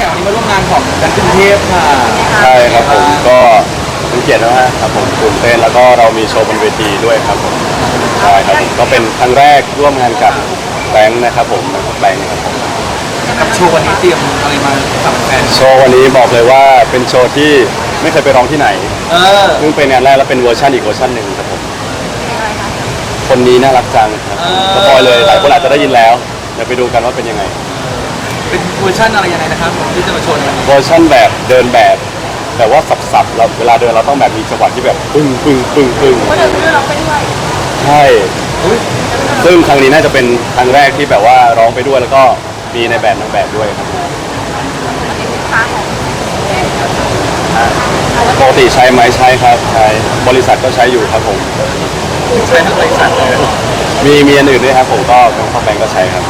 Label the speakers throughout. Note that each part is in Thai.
Speaker 1: ข่วันนี้มาร่วมงานของดันกรุงเทพค่ะ
Speaker 2: ใช่ครับผมก็เป็นเกียรติมากครับผมตื่นเต้นแล้วก็เรามีโชว์บนเวทีด้วยครับผมใช่ครับผมก็เป็นครั้งแรกร่วมงานกับแบงค์นะครับผมแบงค์ครับผม
Speaker 1: กับโชว์วันนี้เตรียมอะไรมาฝากแฟน
Speaker 2: โชว์วันนี้บอกเลยว่าเป็นโชว์ที่ไม่เคยไปร้องที่ไหนซึ่งเป็นงานแรกแล้วเป็นเวอร์ชันอีกเวอร์ชันหนึ่งครับผมคนนี้น่ารักจังครับสปอยเลยหลายคนอาจจะได้ยินแล้วเดี๋ยวไปดูกันว่าเป็นยังไง
Speaker 1: เป็นเวอร์ชันอะไรยังไงนะครับผมที่จะมาโชว์ในวันนี้
Speaker 2: เวอร์ชันแบบเดินแบบแต่ว่าสับๆเราเวลาเดินเราต้องแบบมีจังหวะที่แบบปึ้งปึ้งปึ้งปึ้ง
Speaker 3: ก็เดินไปด้วยร้องไปด้วย
Speaker 2: ใช่ซึ่งครั้งนี้น่าจะเป็นครั้งแรกที่แบบว่าร้องไปด้วยแล้วก็มีในแบบนางแบบด้วยครับปกติใช้ไหมใช้ครับใช้บริษัทก็ใช้อยู่ครับผม
Speaker 1: ใช้ทั้งบริษัทเลย
Speaker 2: มีอันอื่นด้วยครับผมก็เป็นข้อแบงก็ใช้ครับ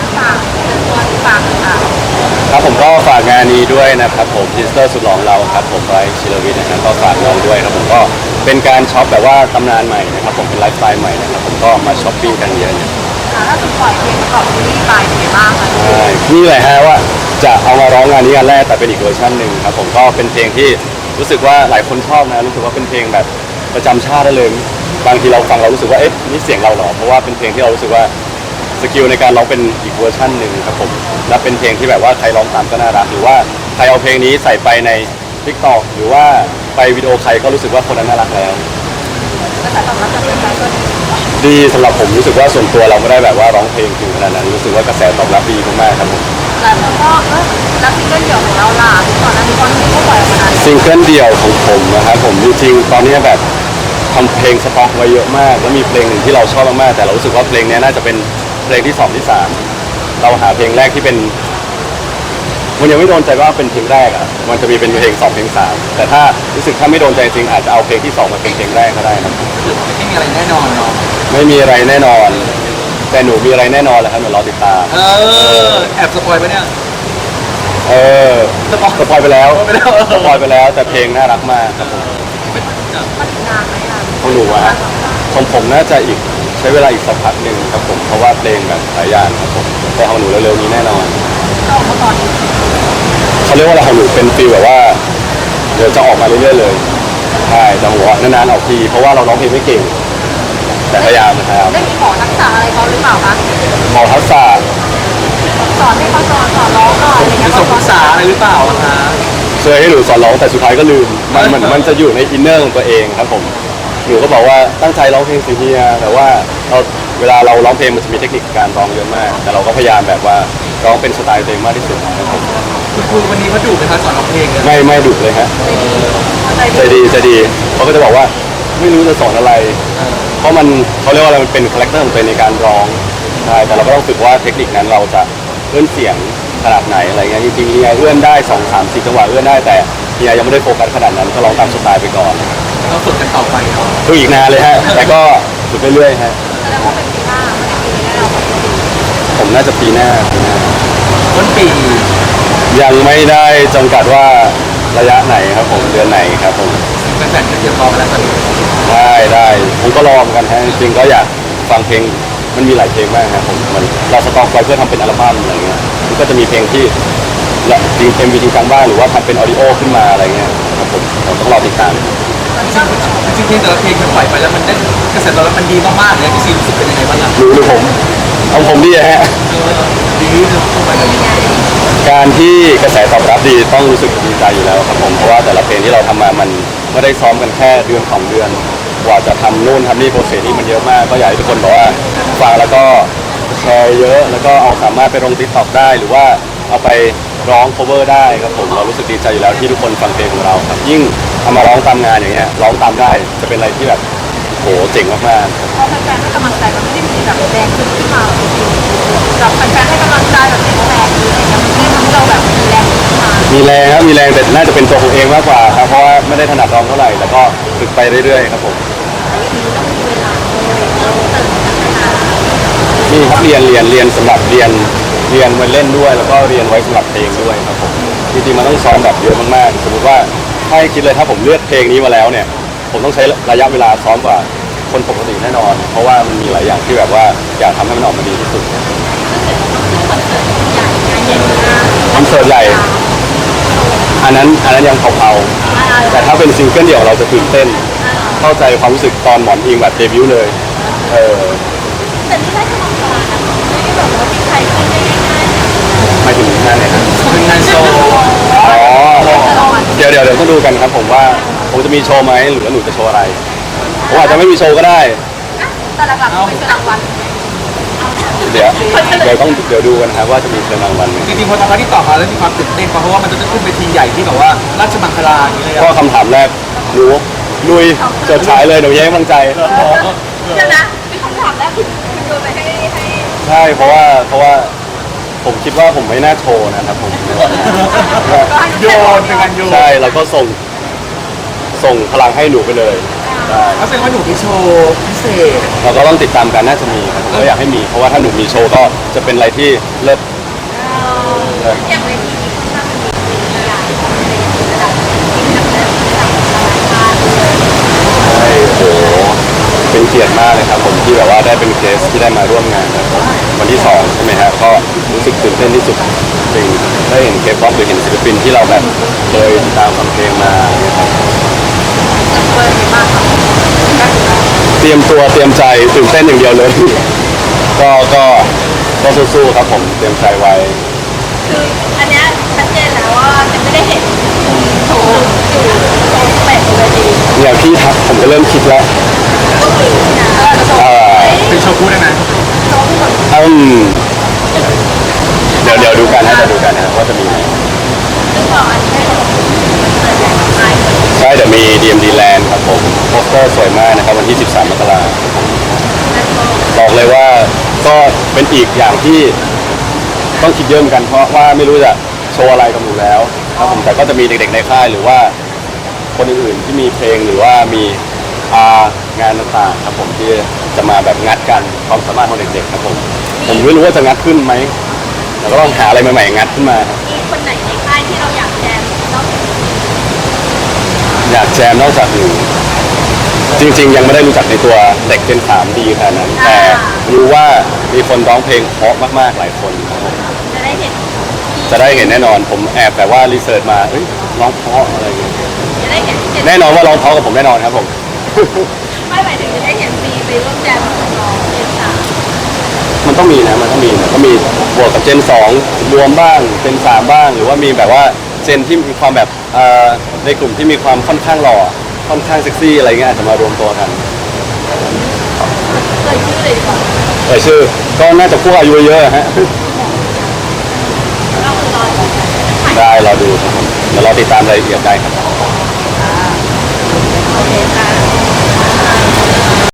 Speaker 2: ครับผมก็ฝากงานนี้ด้วยนะครับผมพิสเตอร์สุดหล่อเราครับผมไบรท์ชิลวิทนะครับก็ฝากน้องด้วยครับผมก็เป็นการช็อปแบบว่าตำนานใหม่นะครับผมเป็นไลฟ์สไตล์ใหม่นะครับผมก็มาช้อปปิ้งกันเยอะ
Speaker 3: ถ้าสุดปล่อยเพลงประกอบซีรีส์ไปเป็นไงบ้างคะ
Speaker 2: ใช่นี่แหละฮะว่าจะเอามาร้องงานนี้กันแรกแต่เป็นอีกเวอร์ชันหนึ่งครับผมก็เป็นเพลงที่รู้สึกว่าหลายคนชอบนะรู้สึกว่าเป็นเพลงแบบประจำชาติได้เลยบางทีเราฟังเรารู้สึกว่าเอ๊ะนี่เสียงเราเหรอเพราะว่าเป็นเพลงที่เรารู้สึกว่าสกิลในการร้องเป็นอีกเวอร์ชันหนึ่งครับผมและเป็นเพลงที่แบบว่าใครร้องตามก็น่ารักหรือว่าใครเอาเพลงนี้ใส่ไปใน TikTok หรือว่าไปวิดีโอใครก็รู้สึกว่าคนนั้นน่ารักแล้ว
Speaker 3: กระแสตอบรับจากแฟนๆก็
Speaker 2: ดีสำหรับผมรู้สึกว่าส่วนตัวเราไม่ได้แบบว่าร้องเพลงถึงขนาดนั้นรู้สึกว่ากระแสตอบรับดีมากๆครับผม
Speaker 3: แล้วก็แล้วซิงเกิลเดี่ยวของเราล่ะก่อนหน้านี้ก็ปล่อยออกมานาน
Speaker 2: ซิงเกิลเดี่ยวของผมนะครับผมจริงๆตอนนี้แบบทำเพลงสต็อกไว้เยอะมากแล้วมีเพลงหนึ่งที่เราชอบมากๆแต่เรารู้สึกว่าเพลงนี้น่าจะเป็นเพลงที่2ที่3เราหาเพลงแรกที่เป็นมันยังไม่โดนใจว่าเป็นเพลงแรกอ่ะมันจะมีเป็นเพลง2เพลง3แต่ถ้ารู้สึกถ้าไม่โดนใจจริงอาจจะเอาเพลงที่2มาเป็นเพลงแรกก็ได้ครับ
Speaker 1: ไม่มีอะไรแน่นอนเนาะ
Speaker 2: ไม่มีอะไรแน่นอนแต่หนูมีอะไรแน่นอนแหละครับเดี๋ยวรอติดตาม
Speaker 1: แอบสปอยไปเนี่ย
Speaker 2: สปอยไปแล้วสปอยไปแล้วแต่เพลงน่ารักมากครับผม
Speaker 3: มันนานไหมอ่ะ
Speaker 2: ของหนูอะของผมน่าจะอีกใช้เวลาอีกสักพักหนึ่งครับผมเพราะว่าเพลงแบบหลายอย่างครับผมแต่ของหนูเร็วๆนี้แน่นอน
Speaker 3: ก็ออกมาตอนนี้
Speaker 2: เขาเรียกว่าอะไรของหนูเป็นฟีลแบบว่าเดี๋ยวจะออกมาเรื่อยๆเลยใช่แต่หัวนานๆออกทีเพราะว่าเราร้องเพลงไม่เก่งแต่พยายามนะครับ
Speaker 3: ได้มีขอทักษะอะไรเขาหรือเปล่าคะ
Speaker 2: ขอทักษะ
Speaker 3: สอนให้เขาสอนร้องหน่อยอะไรเงี้ย
Speaker 1: มีศึกษาอะไรหรือเปล่าคะ
Speaker 2: เคยให้หนูสอนร้องแต่สุดท้ายก็ลืมมันเหมือนมันจะอยู่ในอินเนอร์ของตัวเองครับผมหนูก็บอกว่าตั้งใจร้องเพลงสิเฮียแต่ว่าเวลาเราร้องเพลงมันจะมีเทคนิคการร้องเยอะมากแต่เราก็พยายามแบบว่าร้องเป็นสไตล์ตัวเองมากที่สุดครับผม
Speaker 1: คุณครูวันนี้เขาดุไหมคะสอนร้องเพลง
Speaker 2: ไม่ดุเลยฮะใจดีเขาก็จะบอกว่าไม่รู้จะสอนอะไรเพราะมันเขาเรียกว่าอะไรมันเป็นคาแรคเตอร์ของตัวเองในการร้องใช่แต่เราก็ต้องฝึกว่าเทคนิคนั้นเราจะเอื้อนเสียงขนาดไหนอะไรเงี้ยจริงๆเฮียเอื้อนได้2 3 4จังหวะเอื้อนได้แต่เฮียยังไม่ได้โฟกัสขนาดนั้นก็ร้องตามสไตล์ไปก่อน
Speaker 1: เราฝึกกันต่อไป
Speaker 2: ฝึกอีกนานเลยฮะแต่ก็ฝึกเรื่อยๆฮะ
Speaker 3: แสดงว่าเป็นปีหน้า
Speaker 2: ผมน่าจะปีหน้า
Speaker 1: ต้นปี
Speaker 2: ยังไม่ได้จำกัดว่าระยะไหนครับผมเดือนไหนครับผม
Speaker 1: แฟนๆก็เตรียมพร้อมแล้วตอนนี้
Speaker 2: ได้ผมก็รอเหมือนกันฮะจริงๆก็อยากฟังเพลงมันมีหลายเพลงมากครับผมมันเราสต็อกไว้เพื่อทำเป็นอัลบั้มอะไรเงี้ยมันก็จะมีเพลงที่จริงMVจริงจังบ้างหรือว่าทำเป็นออดิโอขึ้นมาอะไรเงี้ยครับผมต้องรอติดตาม
Speaker 1: จริงๆแต่ละเพลงมันปล่อยไปแล้วมันได้กระแสตอบรับมันดีมากๆเลยพี่ซีรู้สึกเป็นยังไงบ้างครับ
Speaker 2: รู้ผมเอาผมดีฮะ
Speaker 1: ดีเข้าไปเลย
Speaker 2: การที่กระแสตอบรับดีต้องรู้สึกดีใจอยู่แล้วครับผมเพราะว่าแต่ละเพลงที่เราทำมามันไม่ได้ซ้อมกันแค่เดือน2 เดือนกว่าจะทำนู่นทำนี่โปรเซสนี้มันเยอะมากก็อยากให้ทุกคนบอกว่าฟังแล้วก็แชร์เยอะแล้วก็เอาสามารถไปลงTikTokได้หรือว่าเอาไปร้อง cover ได้ครับผมเรารู้สึกดีใจอยู่แล้วที่ทุกคนฟังเพลงของเราครับยิ่งเอามาร้องตามงานอย่างเงี้ยร้องตามได้จะเป็นอะไรที่แบบโหเจ๋งมาก
Speaker 3: ๆพอแฟนๆให้กำลังใจมันไม่ได้มีแบบแรงขึ้นมาแบบแฟนๆให้กำลังใจแบบเป็นแรงหรืออะไรเงี้ยมันไม่ทำให้เราแบบมีแรงขึ้นมา
Speaker 2: มีแรงครับมีแรงแต่น่าจะเป็นตัวผมเองมากกว่าครับเพราะว่าไม่ได้ถนัดร้องเท่าไหร่แต่ก็ฝึกไปเรื่อยๆครับผมนี่ครับเรียนสำหรับเรียนมาเล่นด้วยแล้วก็เรียนไว้สำหรับเพลงด้วยครับผมจริงๆมันต้องซ้อมแบบเยอะมากๆสมมติว่าถ้าให้คิดเลยถ้าผมเลือกเพลงนี้มาแล้วเนี่ยผมต้องใช้ระยะเวลาซ้อมกว่าคนปกติแน่นอนเพราะว่ามันมีหลายอย่างที่แบบว่าอยากทำให้มันออกมาดีที่สุดคอนเสิร์ตใหญ่อันนั้นยังเผาๆแต่ถ้าเป็นซิงเกิลเดี่ยวเราจะตื่นเต้น เข้าใจความรู้สึกตอนหมอนอิงแบบเดบิวต์เลยเออ
Speaker 3: แต่นี่ได้กำลังใจนะไม่ได้แบบว่ามีใครขึ้นได้ง่ายๆ
Speaker 2: หมายถึงงานไหนครับ
Speaker 1: เป็นงานโชว์
Speaker 2: อ๋อเดี๋ยวต้องดูกันครับผมว่าผมจะมีโชว์ไหมหรือว่าหนูจะโชว์อะไรผมอาจจะไม่มีโชว์ก็ได้
Speaker 3: แต่หลักๆเป็นรางวัล
Speaker 2: เดี๋ยวดูกันครับว่าจะมีเชิญรางวัลไหม
Speaker 1: จริงๆพอทำหน้าที่ต่อมาแล้วมีความตื่นเต้นเพราะว่ามันจะขึ้นเวทีใหญ่ที่แบบว่าราชมังคลาอย่างนี้เลย
Speaker 2: ก็
Speaker 1: อะ
Speaker 2: คำถามแรกหนูลุยเฉิดฉายเลยหนูแย้งกำลังใจ
Speaker 3: เดี๋ยวนะมีคำถามแรกคุณโยนไปให้
Speaker 2: ใช่เพราะว่าผมคิดว่าผมไม่น่าโชว์นะครับผม
Speaker 1: โยนเป็นการโยน
Speaker 2: ใช่แล้วก็ส่งพลังให้หนูไปเลยใช่
Speaker 1: เขาแสดงว่าหนูมีโชว์พิเศษ
Speaker 2: เราก็ต้องติดตามกันน่าจะมีครับผมก็อยากให้มีเพราะว่าถ้าหนูมีโชว์ก็จะเป็นอะไรที่เลิศ
Speaker 3: อย่างเวทีนี้ค่อนข้างมีหลายคนในระดับที่นักแสดงระดับนานาชาติเลย
Speaker 2: ใช่โอ้โหเป็นเกียรติมากเลยครับผมที่แบบว่าได้เป็นเกสที่ได้มาร่วมงานนะครับวันที่2ใช่ไหมฮะก็รู้สึกตื่นเต้นที่สุดจริงได้เห็นเคป๊อปหรือเห็นศิลปินที่เราแบบเคยติดตามฟังเพลงมานะครับ
Speaker 3: เปิดมากค่ะ
Speaker 2: เตรียมตัวเตรียมใจตื่นเต้นอย่างเดียวเลย ก็สู้ๆครับผมเตรียมใจไว้
Speaker 3: คืออันเนี้ยชัดเจนแล้วว่าจะไม่ได้เห็นโชว์อยู่โชว์แปลกเลยดี
Speaker 2: เนี่ยพี่ทักผมก็เริ่มคิดแล้ว
Speaker 3: ก็มีนะโชว์
Speaker 1: เป็นโชว์คู่ได้ไหม
Speaker 3: โชว์หมด
Speaker 2: เดี๋ยวดูกันนะจะดูกันนะว่าจะมีไหม
Speaker 3: ซึ่งบอกอันนี้ให้เราเปิดแหล่งไม้
Speaker 2: ใช่เดี๋ยวมี DMD Land ครับผมโปสเตอร์สวยมากนะครับวันที่ 13 มกราคมบอกเลยว่าก็เป็นอีกอย่างที่ต้องคิดเยอะเหมือนกันเพราะว่าไม่รู้จะโชว์อะไรกับหนูแล้วครับผมแต่ก็จะมีเด็กๆในค่ายหรือว่าคนอื่นๆที่มีเพลงหรือว่ามีงานต่างๆครับผมที่จะมาแบบงัดกันความสามารถของเด็กๆครับผมไม่รู้ว่าจะงัดขึ้นไหมแต่ก็ต้องหาอะไรใหม่ๆงัดขึ้นมาครับ
Speaker 3: มีคนไหนในค่ายที่เราอยากแจมนอกจาก
Speaker 2: อยากแจมนอกจากหนูจริงๆ ยังไม่ได้รู้จักในตัวเด็กเจน3ดีขนาดนั้น แต่รู้ว่ามีคนร้องเพลงเพราะมากๆหลายคนครับผม
Speaker 3: จะได้เห็น
Speaker 2: จะได้เห็นแน่นอนผมแอบแต่ว่ารีเสิร์ชมาเอ้ยร้องเพราะอะไรเงี้ย
Speaker 3: จะได้เห็นเจน
Speaker 2: แน่นอนว่าร้องเพราะกับผมแน่นอนครับผม
Speaker 3: ไม่หมายถึงจะได้เห็นซีไปร่วมแจมกับน้องเจนสาม
Speaker 2: มันต้องมีนะมันต้องมีนะก็มีบวกกับเจน2รวมบ้างเจน3บ้าง หรือว่ามีแบบว่าเจนที่มีความแบบในกลุ่มที่มีความค่อนข้างหล่อค่อนข้างเซ็กซี่อะไรเงี้ยอาจจะมารวมตัวกัน
Speaker 3: เลยชื่อเลยดีกว่า
Speaker 2: ชื่อก็น่าจะพวกอายุเยอะๆฮะ
Speaker 3: เราคือรอ
Speaker 2: ได้เราดูครับผมเดี๋ยวเราติดตามรายละเอียดได้ครับ
Speaker 3: โอ